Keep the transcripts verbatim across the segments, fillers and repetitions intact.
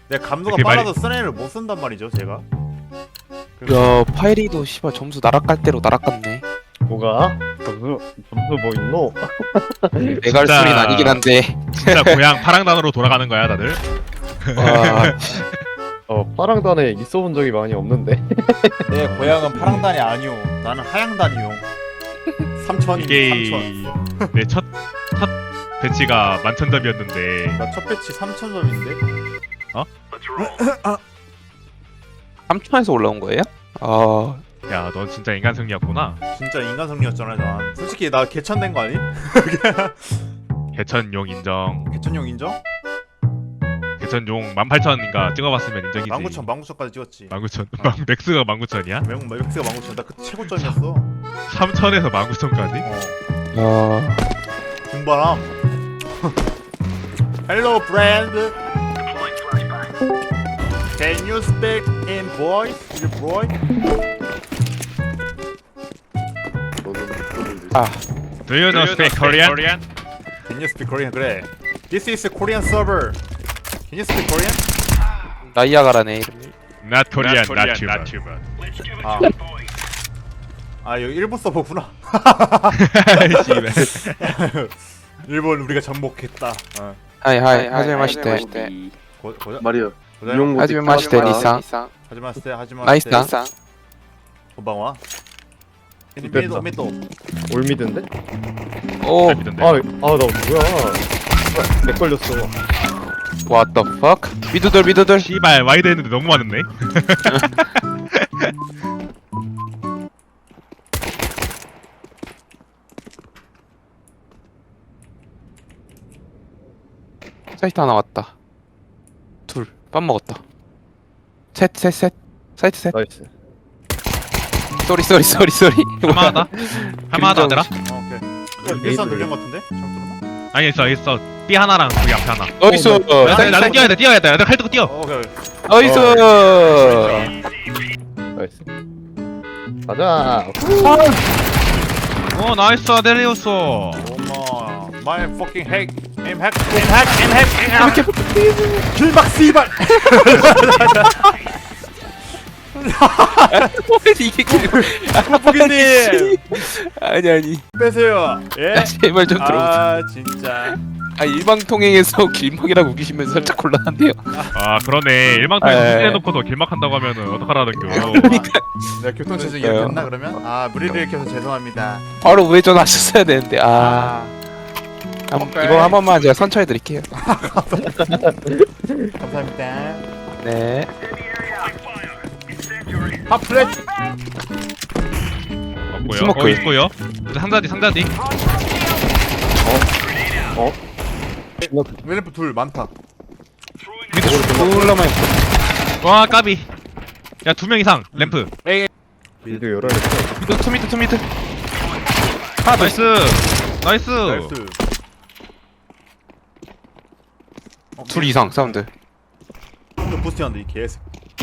내 감도가 그게 빨라서 쓰레를 못 쓴단 말이죠 제가. 야 파이리도 씨발 점수 나락갈 대로 나락갔네. 뭐가? 점수 점수 뭐 있노? 내가 할 진짜- 소리는 아니긴 한데. 진짜 고향 파랑단으로 돌아가는 거야 다들. 와 어 파랑단에 있어본 적이 많이 없는데. 내 고향은 파랑단이 아니오. 나는 하양단이요. 삼천입니다. 이게 삼천. 내 첫 첫 배치가 만천점이었는데 나 첫 배치 삼천 점인데. 삼천에서 올라온 거예요? 아 야 넌 진짜 인간 승리였구나. 진짜 인간 승리였잖아 난. 솔직히 나 개천된 거 아니? 개천용 인정. 개천용 인정? 개천용 만 팔천인가 찍어봤으면 인정이지. 만구천 만구천까지 찍었지. 만구천. 만 맥스가 만구천이야? 매운 맥스가 만구천. 나 그때 최고점이었어. 삼천에서 만구천까지? 어. 야. 등바람. Hello friend. Can you speak in voice? Is it boy? 아 Do you know speak Korean? Can you speak Korean? 그래. This is a Korean server. Can you speak Korean? 나이아가라네 이름이. Not Korean, not Cuban. 아. 아 여기 일본 서버구나. 일본 우리가 정복했다. 어. 하이 하이 하지메 마시테. 고 고자. 말이야. 고자. 이용고 하지메 마시테 니상. 하지마 스테 하지마. 나이스다. 고방와. 됐다. 미도 미도. 올미드인데? 오 잘 믿던데. 아아 나 뭐야? 렉 걸렸어. what the fuck? 미드돌 미드돌. 씨발 와이드 했는데 너무 많았네. 사이트 하나 왔다. 둘. 빰 먹었다. 셋 셋 셋. 사이트 셋. 나이스. 쏘리 쏘리 쏘리 쏘리. 할만하다. 할만하다 얘들아. 어, 오케이. 일선 돌린 것 같은데? 잘못 들었나? 아니 있어 있어. B 하나랑 거기 앞에 하나. 나이스. 어, 나는 사이트 나는 사이트. 뛰어야 돼 뛰어야 돼. 내가 칼 들고 뛰어. 어, 오케이. 나이스. 나이스. 가자. 어 나이스 아델리우스. 어머. My fucking hack. Aim hack. Aim hack. Aim hack. Aim hack. 길막 씨발. 이게 길. 하프기님. 아니 아니. 빼세요. 예? 야, 제발 좀 들어보세요. 아 진짜. 아 일방통행에서 길막이라고 우기시면 살짝 곤란한데요. 아 그러네. 일망통에 에. 수진해놓고도 길막한다고 하면은 어떡하라는겨. 그러니까 내가 교통체증 그러니까요. 이렇게 했나 그러면? 아 무리를 일으켜서 죄송합니다. 바로 우회전하셨어야 되는데. 아, 아 한, 오케이. 이거 한 번만 제가 선처해 드릴게요. 감사합니다. 네. 팝 플랫. 없고요. 스모크. 어 있고요. 상자디 상자디. 웰프 둘 많다. 콜라만. 와 까비. 야 두 명 이상 램프. 미드 열어냈어. 미드 투 미드 투 미드. 아 나이스. 나이스. 나이스. 어, 둘 이상 사운드. 또 부스팅한다 이 개새.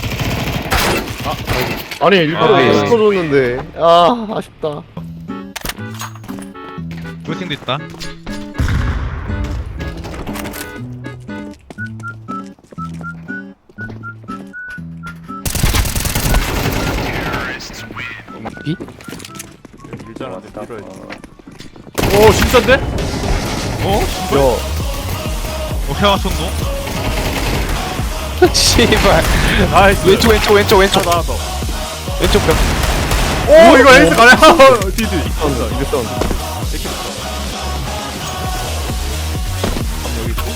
아니 일부러 아, 예. 시켜줬는데. 아 아쉽다. 불싱도 있다. 비? 일자한테 밀어야지. 오 진짜인데? 어? 야 어 헤어 손노? 씨발. 나이스. 왼쪽 왼쪽 왼쪽 왼쪽 하나 더. 왼쪽 벽. 오 이거 에이스 가네. 디디. 사운드 이거 사운드. 이렇게 됐어. 여기 있고.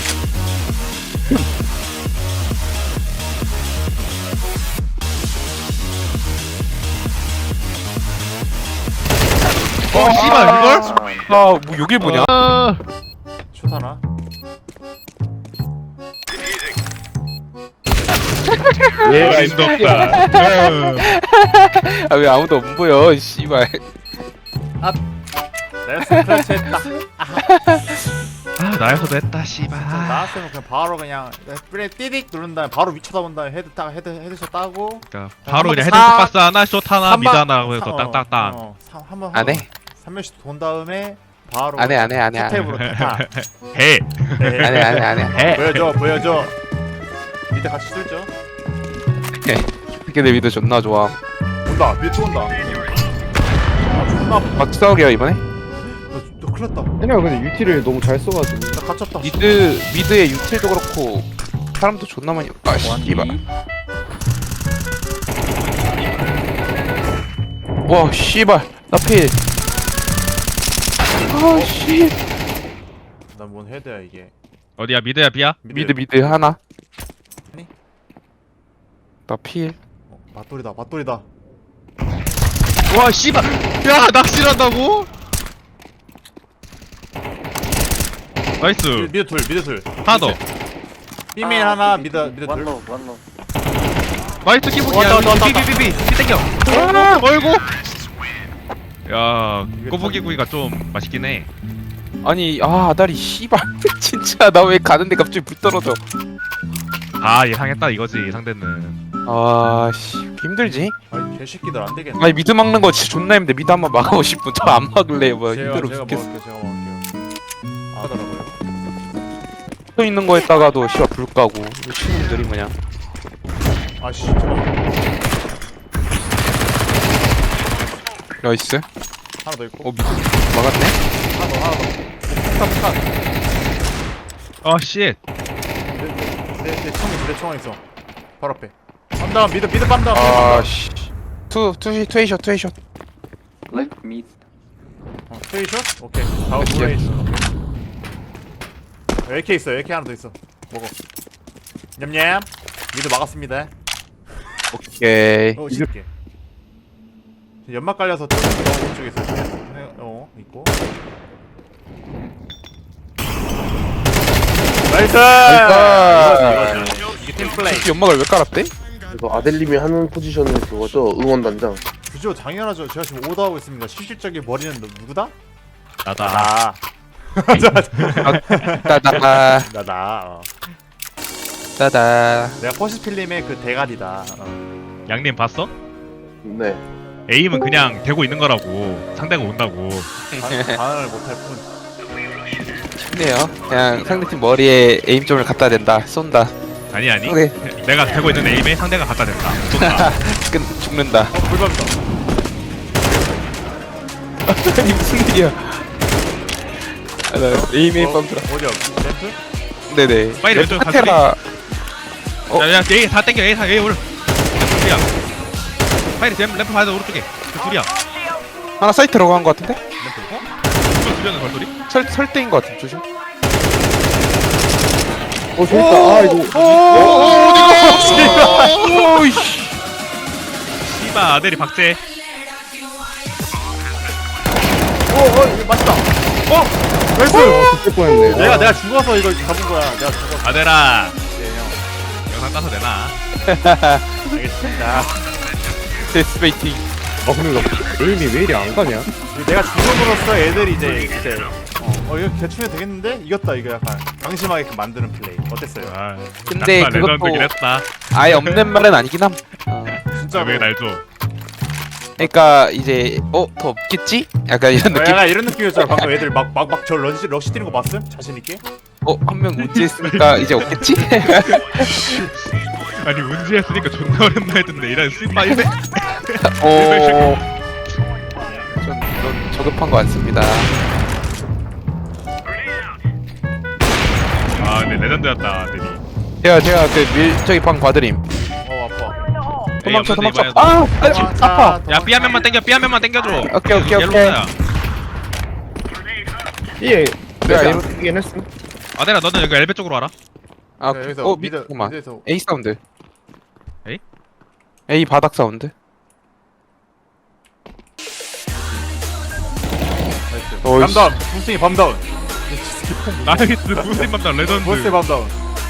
어 씨발 이걸? 아뭐 여길 뭐냐? 아, 슛 하나. 얘가 인도 없다. 응. 아 왜 아무도 안 보여? 씨발. 나이스 클래치 했다. 아 나에서도 했다 씨발. 나왔으면 그냥 바로 그냥 그래 띠딕 누른 다음에 바로 위쳐다본 다음에 헤드 딱 헤드 헤드샷 따고. 그러니까 바로 한 그냥 번 헤드 박스 하나 숏 하나 미드 하나 어, 해서 딱딱딱. 어, 삼- 한번 안 해? 삼 명씩 돈 다음에 바로 안 해 안 해 안 해 안 해. 탭으로 타. 해. 안 해 안 해 안 해. 해. 보여줘 보여줘. 밑에 같이 뚫죠. 걔네 미드 존나 좋아. 온다. 밑에 또 온다. 아 존나 아파. 막 싸우게요 이번에. 너, 너 큰일 났다. 얘네가 근데 유티를 너무 잘 써가지고. 나 갇혔다. 미드 미드의 유틸도 그렇고 사람도 존나 많이. 아 씨발. 와 씨발 나 필. 아 씨. 난뭔 헤드야 이게. 어디야 미드야 B야? 미드 미드 하나. 아니? 나 필. 어, 맞돌이다. 맞돌이다. 와 씨발 야 낚시한다고? 나이스 미드 둘. 미드 둘. 하나 더 삐메인 하나. 미드 미드 둘. 나이스 끼복이야 왔다, 왔다, 왔다. 삐삐삐삐 삐 땡겨 어이구 야 꼬부기구이가 좀 맛있긴 해 아니 아 아다리 씨발 진짜 나 왜 가는데 갑자기 불 떨어져. 아 예상했다 이거지 상대는 아씨 힘들지? 아이 개새끼들 안 되겠네. 아니 미드 막는 거 진짜 존나 힘든데 미드 한번 막아보고 싶은 저 안 막을래 뭐 제가 힘들어 제가 죽겠어. 먹을게요. 제가 먹을게요. 아, 하더라고요. 서 있는 거에다가도 씨발 불 까고 친구들이 뭐냐. 아씨 잠깐만. 나이스. 하나 더 있고. 어 미드 막았네. 하나 더 하나 더. 폭탄 폭탄. 어쉣 내내 총이 내 총알 있어. 바로 앞에. 빰다운 미드 미드 빰다운. 아씨. 투 투 투에이션 투에이션. 어, 스테이션? 오케이. 다음 오케이. 브레이션. 에이케이 있어. 에이케이 하나 더 있어. 먹어. 냠냠. 미드 막았습니다. 오케이. 어, 이렇게. 연막 깔려서 또 어, 오른쪽에 있어. 네, 어, 있고. 나이스! 나이스! 이거지, 이거지. 이게 팀 플레이. 특히 연막을 왜 깔았대? 이거 아델님이 하는 포지션은 그거죠? 응원단장. 그죠, 당연하죠. 제가 지금 오더하고 있습니다. 실질적인 머리는 누- 누구다? 나다 나. 따다 나, 나. 어. 따다. 내가 퍼시필름의 그 대가리다. 어. 양님 봤어? 네. 에임은 그냥 되고 있는 거라고 상대가 온다고 반- 반응을 못할 뿐. 쉽네요. 그냥 상대팀 머리에 에임점을 갖다 댄다. 쏜다. 아니 아니 오케이. 내가 되고 있는 에임에 상대가 갖다 댄다 쏜다 끝 죽는다. 어, 불밥이다. 아니 무슨 일이야? 아, 나 에임에 어, 뻔들어. 어디야? 램프? 네네. 빨리 왼쪽 카테라. 어? 야야 A 다 땡겨 A 다 A 오른 둘이야 빨리 램, 램프 봐야 돼 오른쪽에 그 둘이야 하나 사이트 들어간 거 같은데? 램프 어? 이거 들려는 걸소리? 설 설대인 거 같은 조심. 어, 재밌다. 아, 이거. 오이씨. 씨바 아델이 박제 어, 어, 이거 맞다. 어! 나이스! 죽을 뻔했네. 내가, 아, 내가 죽어서 이거 잡은 거야. 내가 죽어서. 아델아 네, 형. 영상 따서 내놔 알겠습니다. 데스베이팅. 아 근데 나 에임이 왜 이리 안 가냐? 내가 죽음으로써 애들이 이제, 이제, 어, 어 이거 대충 해도 되겠는데? 이겼다, 이거 약간. 방심하게 만드는 플레이. 어땠어요? 아, 근데 약간 그것도- 레전드긴 했다 아예 없는 말은 아니긴 함. 어. 진짜. 왜 날 줘? 그러니까 이제 어 더 없겠지? 약간 이런 느낌. 약간 이런 느낌이었잖아. 방금 애들 막, 막, 막 저 러시, 러시 뛰는 거 봤음? 자신있게? 어 한 명 우지했으니까 이제 없겠지? 아니 운지했으니까 존나 어렵나 했는데 이런 씨바 이제 어. 전 그런 저급한 거 같습니다. 아 근데 레전드였다 아델이 제가 제가 그 밀저기 방 봐드림. 어, 아파. 도망쳐 에이, 없는데 도망쳐. 이번에도. 아, 아 아파. 야 B 한 명만 땡겨 B 한 명만 땡겨줘 오케이 오케이 오케이. 옐로우야 예. 내가 내가 에임- 이긴 했음. 아델아 너는 여기 엘베 쪽으로 와라 아, 네, 그- 여기서 어 미드, 미드 잠깐만. 미드에서. A 사운드. A? A 바닥 사운드. 나이스. 어이씨. 밤다운. 무승이 밤다운. 나이스 무슨 맘다 레전드 벌써 밤다운.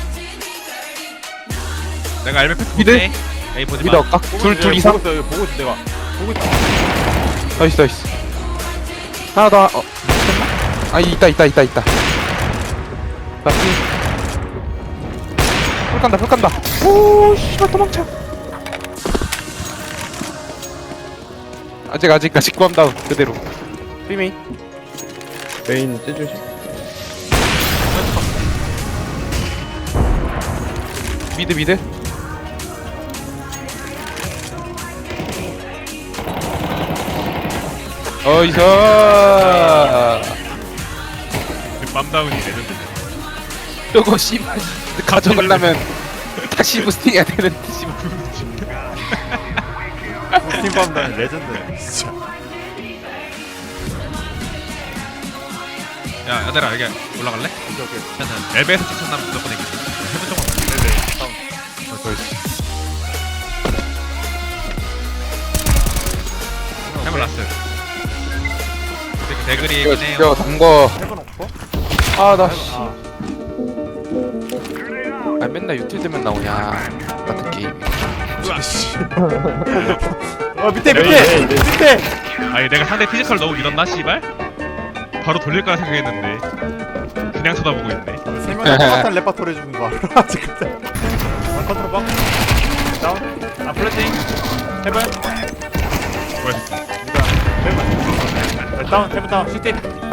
내가 엘베 패스 미드? 못해 에이 보지마 미드 할까? 둘 둘 이상. 보고 있어, 보고 있어, 내가. 보고 있다. 나이스 나이스. 하나 더. 어. 아 있다 있다 있다 있다. 나 피. 풀 간다 풀 간다. 오 씨발 도망쳐. 아직 아직 아직 구함다운 그대로. 피메인. 메인 째주시. 미드 미드 미드. 어이서. 맘다운이 레전드. 저거 씨발 가져가려면 다시 부스팅해야 되는데 씨발. 팀밤다는 레전드. 진짜. 야 야들아 여기 올라갈래? 오케이 오케이. 일단은 랩에서 추천하면 무조건 이기지. 해본 적 없나? 네네. 다음. 해본 라스. 근데 그 대글이 이거 있네요. 진짜 담궈. 해본 없고? 아나 씨. 아. 아 맨날 유틸 되면 나오냐 같은 게임. 어 밑에 밑에 에이, 에이, 밑에. 아니 내가 상대 피지컬 너무 믿었나 씨발? 바로 돌릴 거라 생각했는데 그냥 쳐다보고 있네. 세 명이 똑같은 레파토리 해주는 거 알아? 지금. 원 컨트롤 박. 다운. 아 플래팅. 해본. 뭐야? 해본. 다운 해본 다운. 시티.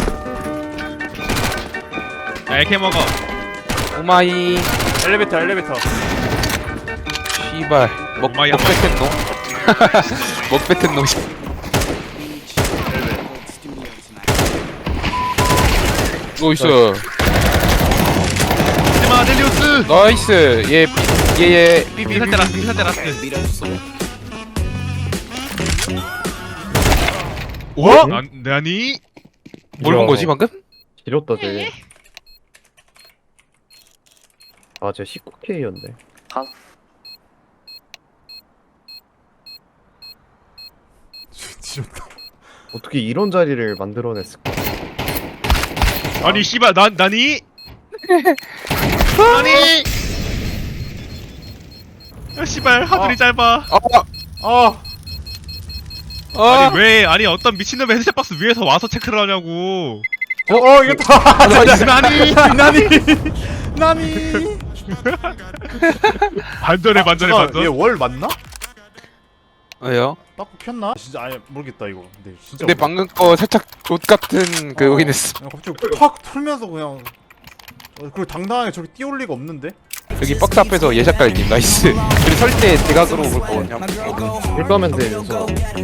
야 에케 먹어. 오마이 엘리베이터 엘리베이터. 씨발 먹 오마이 먹뱉은 놈. 먹뱉은 놈. 나이스 하지마 델리우스. 나이스 얘얘얘 삐삐 비살 때 라스 비살 때 라스. 어? 난 나니? 뭘 본 거지 방금? 지렸다 쟤. 아쟤 십구 케이였네. 지렸다. 어떻게 이런 자리를 만들어냈을까? 아니 씨발 난 나니? 나니? 야 씨발 하늘이 어. 짧아. 아! 어. 아! 아니 왜 아니 어떤 미친놈의 헤드셋 박스 위에서 와서 체크를 하냐고. 어, 어 이겼다. 나이스. 나니 나니 나니. 반전에 반전에 반전. 얘월 맞나? 왜요? 딱고 폈나? 진짜 아예 모르겠다 이거. 근데 진짜. 근데 모르겠다. 방금 거 살짝 롯 같은 그 어, 오긴 했어. 그냥 갑자기 팍 풀면서 그냥. 어, 그리고 당당하게 저기 띄올 리가 없는데? 여기 박스 앞에서 예샷 깔기 나이스. 그리고 설 때 대각으로 볼 거거든요. 일가면 되면서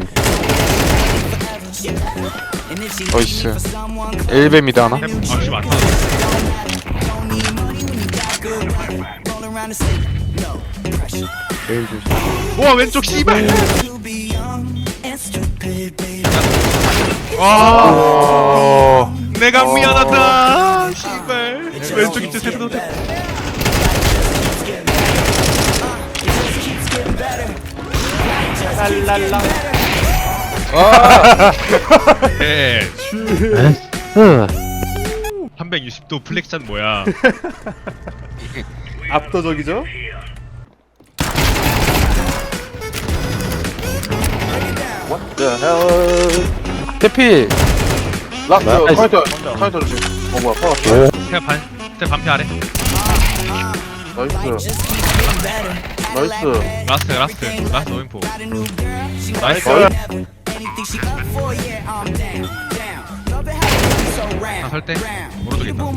나이스. 엘베미드 하나? 아 씨발 안 타. 제일 조심. 우와 왼쪽 씨발. 어. 내가 미안하다. 씨발. 왼쪽 있지 세도 돼. 랄랄라. 아. 예. 삼백육십 도 플렉션 뭐야? 압도적이죠? The hell? 대필. 라스 카이터 카이터 조심. 어 뭐야 파워. 제가 반, 제가 반피 아래. 나이스. 나이스. 라스트, 라스트, 라스트 노인포. 나이스. 아, 설 때? 오른쪽에 있다.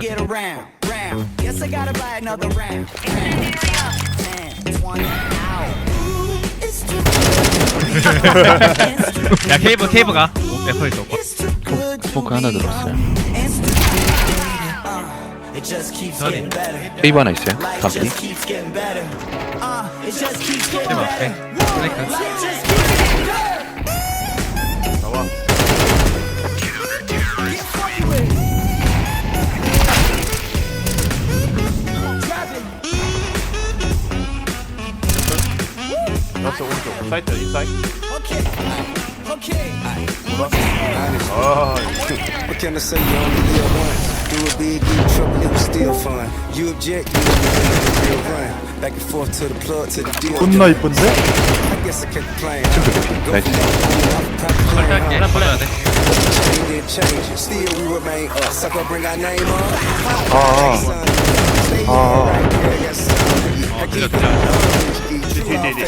야, 케이브, 케이브가. 에퍼 있어. 포크 하나 들었어요. 선이. 페이브 하나 있어요. 감기. 케이브 앞에. 스네이크. 나와. 라스 오른쪽. 사이트 인사이드. 아, What can I say? You only live once. Do it big, do trouble, it was still fun. You object, you never real run. Back and forth to the plug, to the deal. 존나 이쁜데? I guess I kept playing. Go 나이스. 설때 할게. 하나 받아야 돼. change it, change it. Still we remain us. Sucker, bring our name up. 아. 아. 어, 들려, 들려. 디디디.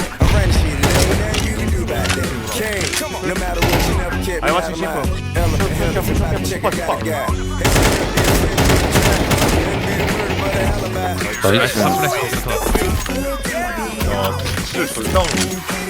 No matter what, you never kept me I out watch of you, mind. Chico. Element, Chico, element, Chico, check Chico, it Chico. out, yeah. 나이스. 플래시 들어서. 와 진짜 절대 안 오네.